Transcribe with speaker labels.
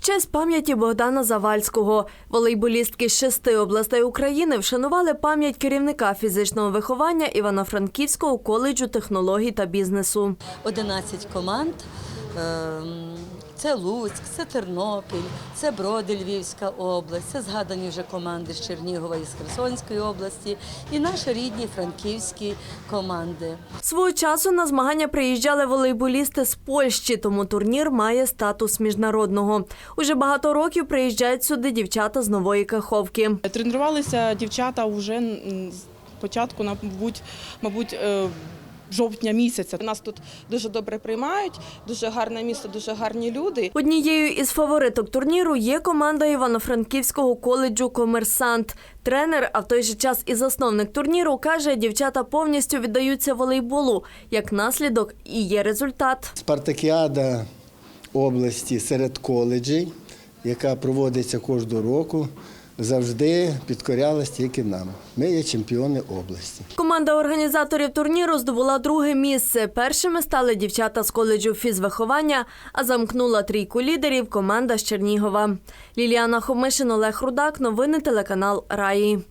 Speaker 1: честь пам'яті Богдана Завальського волейболістки з 6 областей України вшанували пам'ять керівника фізичного виховання Івано-Франківського коледжу технологій та бізнесу.
Speaker 2: 11 команд. Це Луцьк, це Тернопіль, це Броди, Львівська область, це згадані вже команди з Чернігова і з Херсонської області, і наші рідні франківські команди.
Speaker 1: Свого часу на змагання приїжджали волейболісти з Польщі, тому турнір має статус міжнародного. Уже багато років приїжджають сюди дівчата з Нової Каховки.
Speaker 3: Тренувалися дівчата вже з початку, мабуть, жовтня місяця. Нас тут дуже добре приймають, дуже гарне місто, дуже гарні люди.
Speaker 1: Однією із фавориток турніру є команда Івано-Франківського коледжу «Комерсант». Тренер, а в той же час і засновник турніру, каже, дівчата повністю віддаються волейболу. Як наслідок і є результат.
Speaker 4: Спартакіада області серед коледжів, яка проводиться кожного року, завжди підкорялась тільки нам. Ми є чемпіони області.
Speaker 1: Команда організаторів турніру здобула друге місце. Першими стали дівчата з коледжу фізвиховання, а замкнула трійку лідерів команда з Чернігова. Ліліана Хомишин, Олег Рудак. Новини телеканал «Раї».